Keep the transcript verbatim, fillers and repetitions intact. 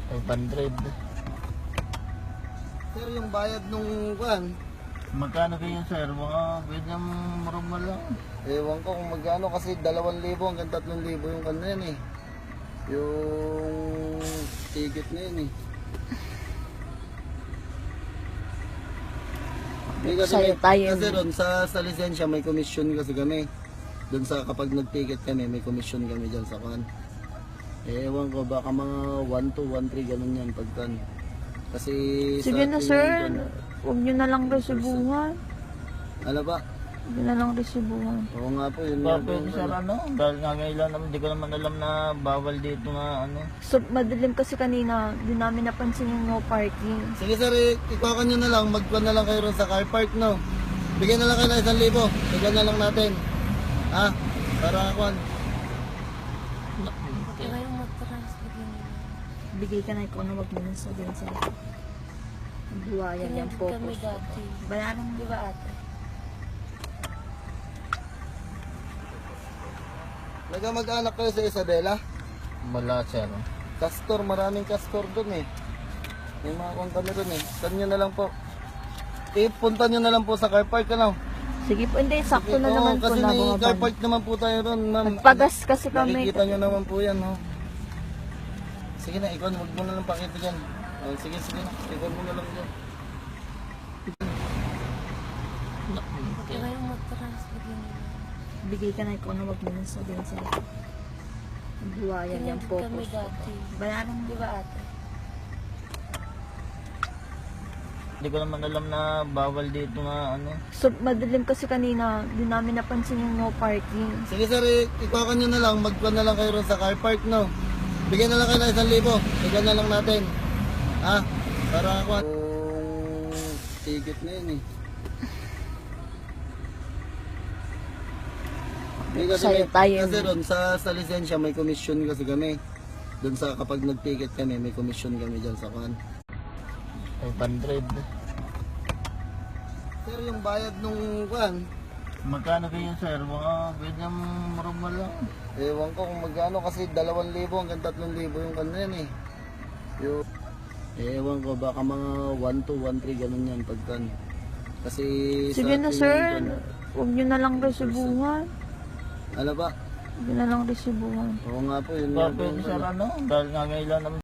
five hundred. Sir, yung bayad nung kuan, Magkano kayo sir? Mga ganyan normal lang. ewan ko kung magkano kasi dalawang libo hanggang tatlong libo yung kan na yan eh. Yung ticket na yun eh. May kasi, Sa'yo may, tayo. kasi ron sa, sa lisensya may commission kasi kami. Doon sa kapag nag-ticket kami may commission kami dyan sa kan. Eh, ewan ko baka mga one two, one three ganun yan pagkan. Kasi Sige sa na ating- sir, huwag nyo na lang resibuhan. Ano ba? Huwag nyo na lang resibuhan. Oo nga po yun. nga Ba, po pwede yung sir ano. ano? Dahil nga ngayon naman, hindi ko naman alam na bawal dito nga ano. So, madilim kasi kanina, di namin napansin yung no parking. Sige sir, eh, ikuha nyo na lang, magkuhan na lang kayo ron sa car park, no? Bigyan na lang kayo ng isang libo, bigyan na lang natin. Ha? Para kuhan. Bigay ka na ikaw na wag mo nang sabihin sa akin. Buwayan yung focus. Kami dati. Bayaran mo, di ba ate? Nagkamag-anak kayo sa Isabela? Wala sir. Castor, maraming castor dun eh. May mga kuhan kami dun eh. Saan nyo na lang po. Eh, punta nyo na lang po sa car park, ano? Sige po, hindi, sakto na Oo, naman po kasi na may car bumabalik. park naman po tayo ron, ma'am. Nagpagas kasi kami. Nakikita nyo naman po yan, no? Sige na, ikaw, huwag mo na lang pakita dyan. Oh, sige, sige na. Ikaw mo na lang dyan. Kaya yung matras, bigyan nila. Bigay ka na ikaw na wag mo nang sabihin sa akin. Buwayan yung Kami focus. dati. Bayaran mo, di ba ate? Hindi ko naman alam na bawal dito nga ano. So, madilim kasi kanina, di namin napansin yung no parking. Sige sir, eh, ikuha nyo na lang, magkuhan na lang kayo ron sa car park, no? Bigyan na lang kayo ng isang libo, bigyan na lang natin. Ha? Para kuhan. Yung ticket na yun eh. May kasi, Sa'yo may, tayo. kasi ron sa, sa lisensya may commission kasi kami. Doon sa kapag nag-ticket kami, may commission kami dyan sa kuhan. five hundred. Sir, yung bayad nung kuhan, Magkano kayo sir? Mga ganyan normal lang. ewan ko kung magkano kasi dalawang libo hanggang tatlong libo yung kan na yan eh. Yung, eh, ewan ko baka mga one two, one three ganun yan pagkan. Kasi Sige sa na ating- sir, huwag nyo na lang resibuhan. Ano ba? Huwag nyo na lang resibuhan. Oo nga po yun. Ba, nga po pwede yung sir ano. ano? Dahil nga ngayon naman,